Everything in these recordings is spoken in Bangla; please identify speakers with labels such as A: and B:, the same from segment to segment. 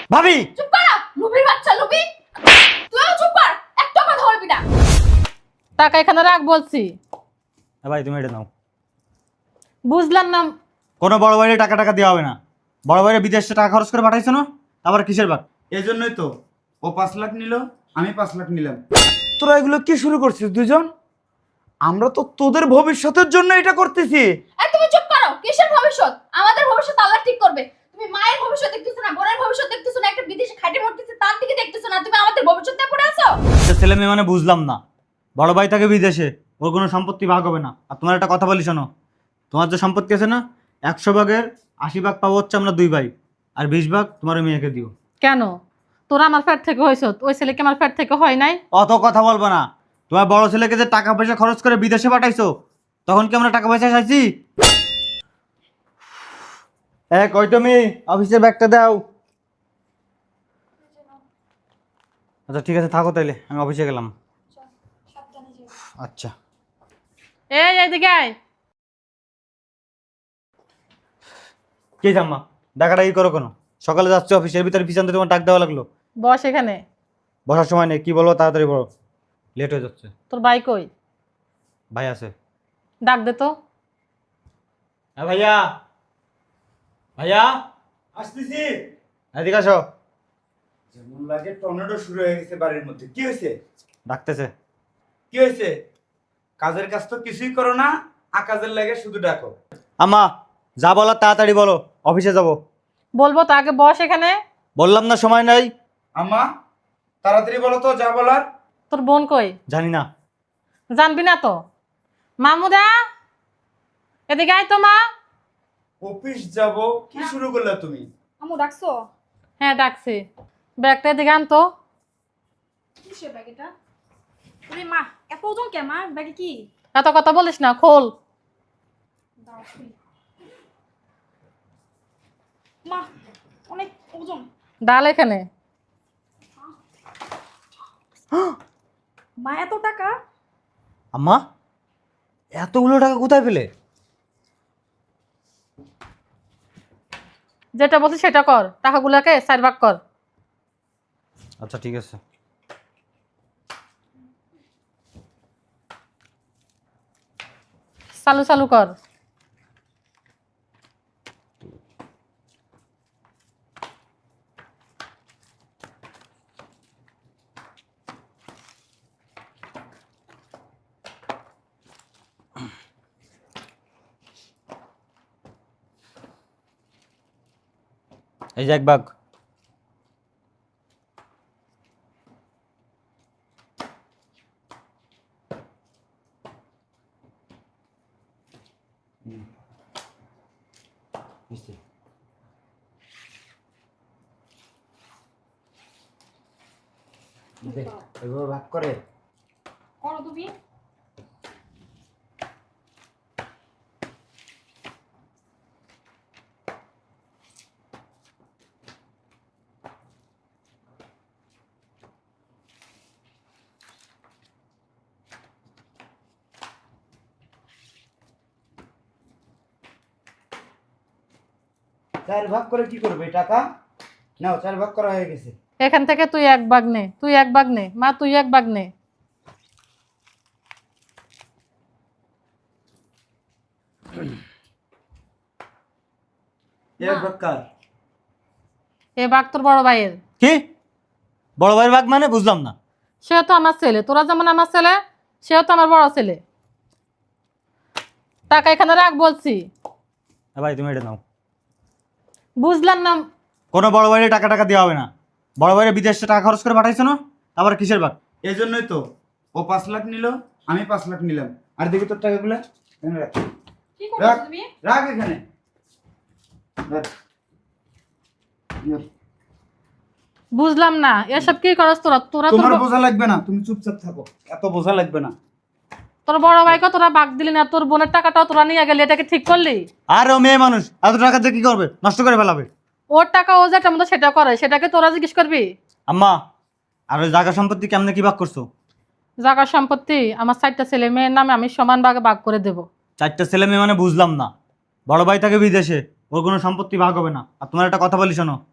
A: ভাবি
B: চুপ কর, লুবির বাচ্চা লুবি। তুইও চুপ কর, একটা কথা বলবি না।
C: টাকা এখানে রাখ বলছি।
A: ভাই তুমি এটা নাও।
C: বুঝলাম না।
A: কোনো বড় ভাইয়ের টাকা টাকা দেওয়া হবে না। বড় ভাইয়ের বিদেশে টাকা খরচ করে পাঠাইছো না, আবার কিসের বাক?
D: এই জন্যই তো ও 5 লাখ নিল, আমি 5 লাখ নিলাম।
E: তোরা এগুলো কি শুরু করছিস দুজন? আমরা তো তোদের ভবিষ্যতের জন্য এটা করতেছি।
B: এই তুমি চুপ করো, কিসের ভবিষ্যৎ? আমাদের ভবিষ্যৎ আল্লাহ ঠিক করবে। তুমি মায়ের ভবিষ্যৎ দেখতেছো না, বোনের ভবিষ্যৎ দেখতেছো না, একটা বিদেশে খাটে মরতেছে তার দিকে দেখতেছো না, তুমি আমাদের ভবিষ্যৎ নিয়ে পড়ে আছো।
A: ছেলে মেয়ে মানে বুঝলাম না। বড় ভাই থাকে বিদেশে, ওর কোনো সম্পত্তি ভাগ হবে না। আর তোমার একটা কথা বলি শোনো, তোমার যে সম্পত্তি আছে না, 100 ভাগের 80 ভাগ পাবো হচ্ছে আমরা 2 ভাই, আর 20 ভাগ তোমার ওই মেয়েকে দিও।
C: কেন? তোরা আমার ফ্যাট থেকে হয়েছ, ওই ছেলেকে আমার ফ্যাট থেকে হয় নাই?
A: অত কথা বলবো না। তোমার বড় ছেলেকে যে টাকা পয়সা খরচ করে বিদেশে পাঠাইছো, তখন কি আমরা টাকা পয়সা চাইছি? কই তুমি? অফিসের ব্যাগটা দাও। আচ্ছা ঠিক আছে, থাকো তাইলে, আমি অফিসে গেলাম। আচ্ছা।
C: এই এইদিকে আয়।
A: কে জাম্মা ডাকাডাকি করো কেন? সকালে যাচ্ছে অফিসের ভিতরে পিছন থেকে তোমার ডাক দেওয়া লাগলো।
C: বস এখানে।
A: বসার সময় নেই, কি বলবো তাড়াতাড়ি বলো, লেট হয়ে যাচ্ছে।
C: তোর ভাই কই?
A: ভাই আছে।
C: ডাক দে তো।
A: হ্যাঁ ভাইয়া, ভাইয়া
D: আসতেছি।
A: এদিকে আসো।
D: যেমন লাগে টর্নেডো শুরু হয়ে গেছে বাড়ির মধ্যে। কি হয়েছে?
A: ডাকতেছে।
D: কি হয়েছে? কাজের কাজ তো কিছুই করো না, আকাজের লাগে শুধু ডাকো।
A: আম্মা যা বলার তাড়াতাড়ি বলো, অফিসে যাব।
C: বলবো তো, আগে বস এখানে।
A: বললাম না সময় নাই।
D: আম্মা তাড়াতাড়ি বলো তো যা বলার।
C: তোর বোন কই?
A: জানি না।
C: জানবি না তো? মামুদা এদিকে আয় তো মা।
D: অফিস যাব? কি শুরু করলে তুমি?
B: আমু ডাকছো?
C: হ্যাঁ ডাকছি। ব্যাগটা এদিকে আনতো।
B: কিসের ব্যাগ এটা? আরে মা, এত ওজন কে মা? ব্যাগে কি?
C: এত কথা বলিস না, খোল।
B: দাও শুনি। মা, অনেক ওজন।
C: ডাল এখানে।
B: মা এত টাকা?
A: আম্মা এতগুলো টাকা কোথায় পেলে?
C: যেটা বলছিস সেটা কর, টাকাগুলোকে 4 ভাগ কর।
A: আচ্ছা ঠিক আছে।
C: চালু চালু কর।
A: এই যে 1 ভাগ।
D: এভাবে ভাগ করে
B: করো তুমি।
D: চার ভাগ করে কি করবে টাকা? নাও 4 ভাগ করা হয়ে গেছে।
C: এখান থেকে তুই 1 ভাগ নে, তুই 1 ভাগ নে মা, তুই 1 ভাগ নে।
D: এক ভাগ কার?
C: এ ভাগ তোর বড় ভাইয়ের।
A: কি বড় ভাইয়ের ভাগ মানে? বুঝলাম না।
C: সেও তো আমার ছেলে, তোরা যেমন আমার ছেলে, সেও তো আমার বড় ছেলে। টাকা এখানে রাখ বলছি।
A: ভাই তুমি এটা নাও।
C: বুঝলাম না।
A: কোনো বড় ভাইয়ের টাকা টাকা দেওয়া হবে না। বড় ভাইয়ের বিদেশে টাকা খরচ করে পাঠাইছো না, আবার কিসের ভাগ?
D: এই জন্যই তো ও 5 লাখ নিল, আমি 5 লাখ নিলাম। আর দেখি তোর টাকাগুলো এখানে রাখ।
B: কি
D: রাখ,
B: করছো তুমি?
D: রাখ এখানে রাখ। রাখ।
C: বুঝলাম না এসব কি করছ তোরা? তোরা
D: তোমার
C: তোর
D: বোঝা লাগবে না, তুমি চুপচাপ থাকো, এত বোঝা লাগবে না।
C: তোর বড় ভাইকে তোরা ভাগ দিলি না, তোর বোনের টাকাটাও তোরা নিয়ে গেলি, এটাকে ঠিক করলি?
A: আর ও মেয়ে মানুষ, এত টাকা দিয়ে কি করবে? নষ্ট করে ফেলাবে।
C: ওর টাকা ও যেটা মতো সেটা করে, সেটাকে তোরা জিজ্ঞেস করবি?
A: আম্মা আর ওই জায়গা সম্পত্তি কেমনে কি ভাগ করছো?
C: জায়গা সম্পত্তি আমার 4টা ছেলে মেয়ের নামে আমি সমান ভাগে ভাগ করে দেব।
A: 4টা ছেলে মেয়ে মানে বুঝলাম না। বড় ভাই থাকে বিদেশে, ওর কোনো সম্পত্তি ভাগ হবে না। আর তোমার একটা কথা বলি শোনো,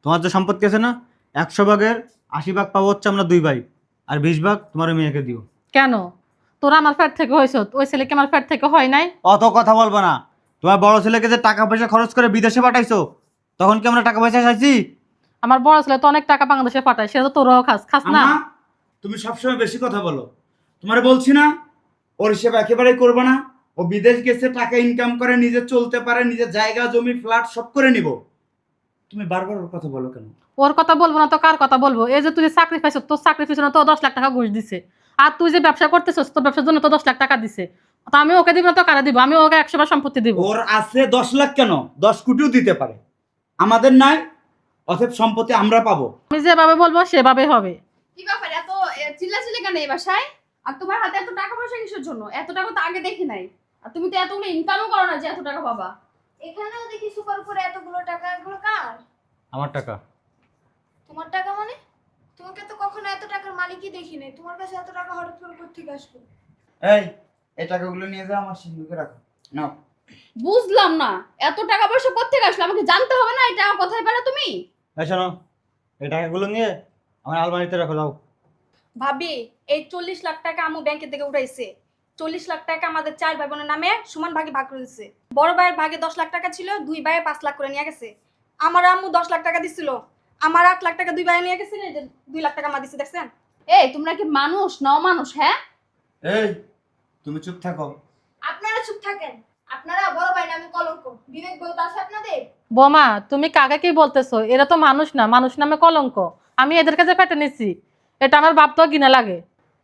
A: তোমার যে সম্পত্তি আছে না, 100 ভাগের 80 ভাগ পাবো হচ্ছে আমরা 2 ভাই, আর 20 ভাগ তোমার ওই মেয়েকে দিও।
C: কেন? তোরা আমার ফ্যাট থেকে হয়েছ, ওই ছেলেকে আমার ফ্যাট থেকে হয় নাই?
A: অত কথা বলবো না। তোমার বড় ছেলেকে যে টাকা পয়সা খরচ করে বিদেশে পাঠাইছো, তখন কি আমরা টাকা পয়সা চাইছি?
C: আমার বড় ছেলে তো অনেক টাকা বাংলাদেশে পাঠায়, সেটা তো তোরাও খাস না?
D: আম্মা, তুমি সবসময় বেশি কথা বলো। তোমারে বলছি না ওর হিসেব একেবারেই করবে না। ও বিদেশ গেছে, টাকা ইনকাম করে, নিজে চলতে পারে, নিজের জায়গা জমি ফ্ল্যাট সব করে নিব। তুমি বারবার ওর কথা বলো কেন?
C: ওর কথা বলবো না তো কার কথা বলবো? এই যে তুই যে চাকরি পাইছ, তোর চাকরি পিছনে তো 10 লাখ টাকা ঘুষ দিছে, আর তুই যে ব্যবসা করতেছিস তোর ব্যবসার জন্য তো 10 লাখ টাকা দিছে। তো আমি ওকে দিব না তো কারা দিব? আমি ওকে 100 বার সম্পত্তি দিব।
D: ওর আছে 10 লাখ, কেন 10 কোটিও দিতে পারে, আমাদের নাই। অতএব সম্পত্তি আমরা পাবো।
C: আমি যেভাবে বলবো সেভাবে হবে।
B: কি ব্যাপার এত চিল্লাচিল্লি কেন এই বাসায়? আর তোমার হাতে এত টাকা পয়সা কিসের জন্য? এত টাকা তো আগে দেখি নাই। আর তুমি তো এতগুলো ইনকামও করো না যে এত টাকা পাবা।
F: এখানেও দেখি সুপার উপরে এতগুলো টাকা, এগুলো কার?
A: আমার টাকা।
F: তোমার টাকা মানে? তোমাকে তো কখনো এত টাকার মালিকই দেখি নাই, তোমার কাছে এত টাকা হঠাৎ করে কোত্থেকে আসলো?
D: এই টাকাগুলো নিয়ে যাও, আমার সিন্ধুকে রাখো। নাও।
B: বুঝলাম না, এত টাকা পয়সা কোত্থেকে আসলো? আমাকে জানতে হবে না এই টাকা কোথায় পেলে তুমি?
A: এই শোনো, এই টাকাগুলো নিয়ে আমার আলমারিতে রাখো, যাও।
G: ভাবি, এই 40 লাখ টাকা আম্মু ব্যাংকের থেকে উঠাইছে। 40 লাখ টাকা আমাদের 4 ভাই বোনের নামে সমান ভাগে ভাগ করে দিচ্ছে। বড় ভাইয়ের ভাগে 10 লাখ টাকা ছিল, 2 ভাইয়ে 5 লাখ করে নিয়ে গেছে। আমার আম্মু 10 লাখ টাকা দিছিল, আমার 8 লাখ টাকা 2 ভাইয়ে নিয়ে গেছে, 2 লাখ টাকা মা দিছে, দেখছেন?
B: এই তোমরা কি মানুষ না অমানুষ? হ্যাঁ,
D: এই তুমি চুপ থাকো।
F: আপনারা চুপ থাকেন। আপনারা বড় ভাই নামে কলঙ্ক, বিবেক বোধ আছে আপনাদের?
C: বোমা, তুমি কাকে কি বলতেছো? এরা তো মানুষ না, মানুষ নামে কলঙ্ক। আমি এদের কাছে পেটে নিচ্ছি, এটা আমার বাপ তো ঘৃণা লাগে।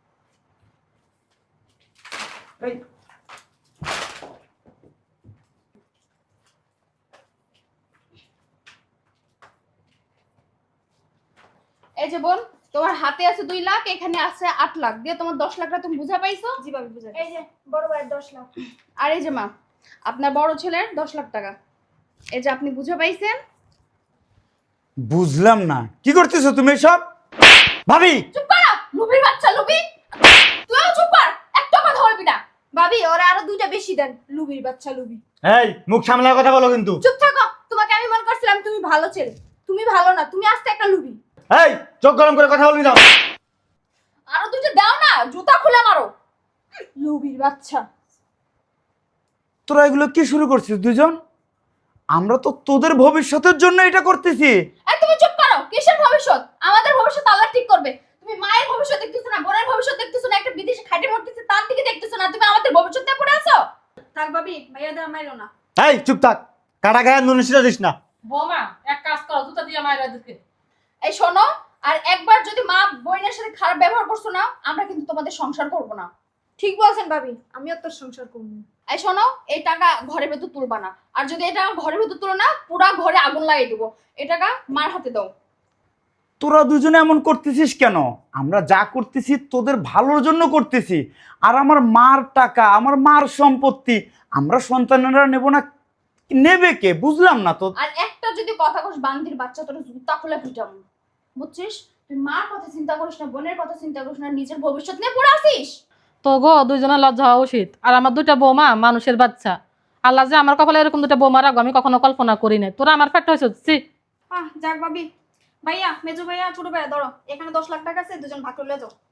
D: এই
B: এই যে বোন, তোমার হাতে আছে 2 লাখ, এখানে আছে 8 লাখ, দিয়ে তোমার 10 লাখ টাকা তুমি বুঝা পাইছো?
G: জি ভাবি, বুঝাই।
F: এই যে বড় ভাইয়ের 10 লাখ।
B: আর এই যে মা, আপনার বড় ছেলের 10 লাখ টাকা, এই যে আপনি বুঝা পাইছেন।
E: বুঝলাম না, কি করতেছো তুমি এসব? ভাবি,
B: চুপ কর, লুবির বাচ্চা লুবি। তুইও চুপ কর, একটা কথা বলবি না।
F: ভাবি, ওরা আরো 2টা বেশি দেন, লুবির বাচ্চা লুবি।
A: এই মুখ সামলার কথা বলো কিন্তু।
F: চুপ থাকো, তোমাকে আমি মনে করছিলাম তুমি ভালো ছেলে, তুমি ভালো না, তুমি আস্তে একটা লুবি।
A: এই চোখ গরম করে কথা বলবি, যাও।
B: আরো 2টা দাও না, জুতা খুলে মারো।
F: লুবির বাচ্চা।
E: তোরা এগুলো কি শুরু করছিস দুজন? আমরা তো তোদের ভবিষ্যতের জন্য এটা করতেছি।
B: এই তুমি চুপ করো, কিসের ভবিষ্যৎ? আমাদের ভবিষ্যৎ আল্লাহ ঠিক করবে। তুমি মায়ের ভবিষ্যৎ দেখতেছো না, বোনের ভবিষ্যৎ দেখতেছো না, একটা বিদেশে খাটে মরতেছে তার দিকে দেখতেছো না, তুমি আমাদের ভবিষ্যৎ নিয়ে পড়ে আছো।
G: থাক ভাবি, ভাইয়া দেওয়া মাইরো না।
A: এই চুপ থাক, কাটা গায়ে নুন সিটা দিস না।
C: বোমা, এক কাজ করো, জুতা দিয়ে মায়েরা দিকে।
B: এই শোনো, আর একবার যদি মা বোনের সাথে খারাপ ব্যবহার করছো না, আমরা কিন্তু তোমাদের সংসার করব না।
F: ঠিক বলছেন ভাবি, আমিও তোর সংসার করবো।
B: এই শোনো, এই টাকা ঘরের ভেতর তুলবা না, আর যদি এই টাকা ঘরের ভেতর তুলো না, পুরা ঘরে আগুন লাগিয়ে দেবো। এই টাকা মার হাতে দাও।
E: তোরা দুজনে এমন করতেছিস কেন? আমরা যা করতেছি তোদের ভালোর জন্য করতেছি। আর আমার মার টাকা, আমার মার সম্পত্তি আমরা সন্তানেরা নেব না, নেবে কে? বুঝলাম না তো।
B: আর একটা যদি কথা কস বান্দির বাচ্চা, তোর জুতা খুলে পিটাবো, বুঝছিস? তুই মার কথা চিন্তা করিস না, বোনের কথা চিন্তা করিস না, নিজের ভবিষ্যৎ নিয়ে পড়ে আসিস।
C: তো গো, দুইজনের লজ্জা হওয়া উচিত। আর আমার 2টা বৌমা মানুষের বাচ্চা। আল্লাহ যে আমার কপালে এরকম 2টা বৌমা রাখবো আমি কখনো কল্পনা করি না। তোরা আমার ফ্যাট হয়েছি।
G: যাক ভাবি, ভাইয়া, মেজো ভাইয়া, ছোট ভাইয়া, ধরো এখানে 10 লাখ টাকা আছে, দুজন ভাগ করে যাও।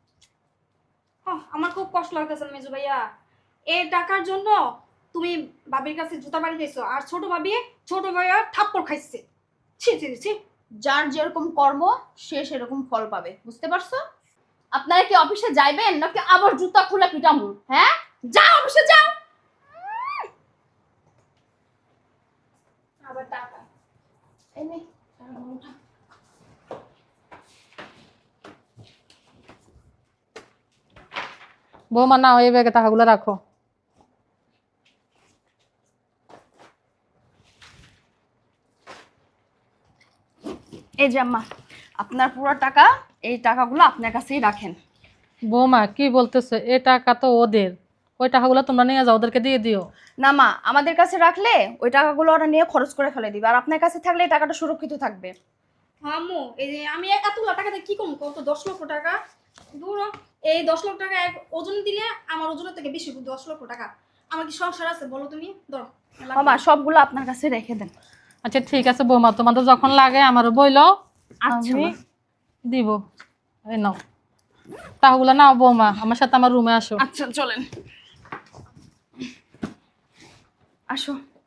G: আমার খুব কষ্ট লাগতেছে মেজো ভাইয়া, এই টাকার জন্য তুমি ভাবির কাছে জুতা বাড়ি খাইছো, আর ছোট ভাইয়া থাপ্পড় খাইছে। ছি ছি ছি।
B: যার যেরকম কর্ম সে সেরকম ফল পাবে, বুঝতে পারছো? আপনারা কি অফিসে যাইবেন নাকি আবার জুতা খুলে পিটামু? হ্যাঁ, যাও অফিসে যাও।
F: আবার টাকা।
B: এই নে, টাকা উঠা।
C: বৌমা, নাও এই ব্যাগে টাকাগুলো রাখো।
B: এই যে আম্মা, আপনার পুরো টাকা, এই টাকাগুলো আপনার কাছেই রাখেন।
C: বৌমা, কি বলতেছো? এই টাকা তো ওদের, ওই টাকাগুলো তোমরা নিয়ে যাও, ওদেরকে দিয়ে দিও।
B: না মা, আমাদের কাছে রাখলে ওই টাকাগুলো ওরা নিয়ে খরচ করে ফেলে দিবে, আর আপনার কাছে থাকলে এই টাকাটা সুরক্ষিত থাকবে।
G: আম্মু, এই যে আমি এতগুলো টাকা দিয়ে কি করবো? কত 10 লক্ষ টাকা দূর। এই 10 লক্ষ টাকা এক ওজন দিলে আমার ওজনের থেকে বেশি। 10 লক্ষ টাকা আমার কি সংসার আছে বলো তুমি? ধরো।
B: মামা, সবগুলো আপনার কাছে রেখে দেন।
C: আচ্ছা ঠিক আছে বৌমা, তোমাদের যখন লাগে আমারও বইলো,
B: আচ্ছা
C: আমি
B: মা।
C: দিব। এই নাও টাকাগুলো নাও বৌমা, আমার সাথে আমার রুমে আসো।
B: আচ্ছা চলেন, আসো।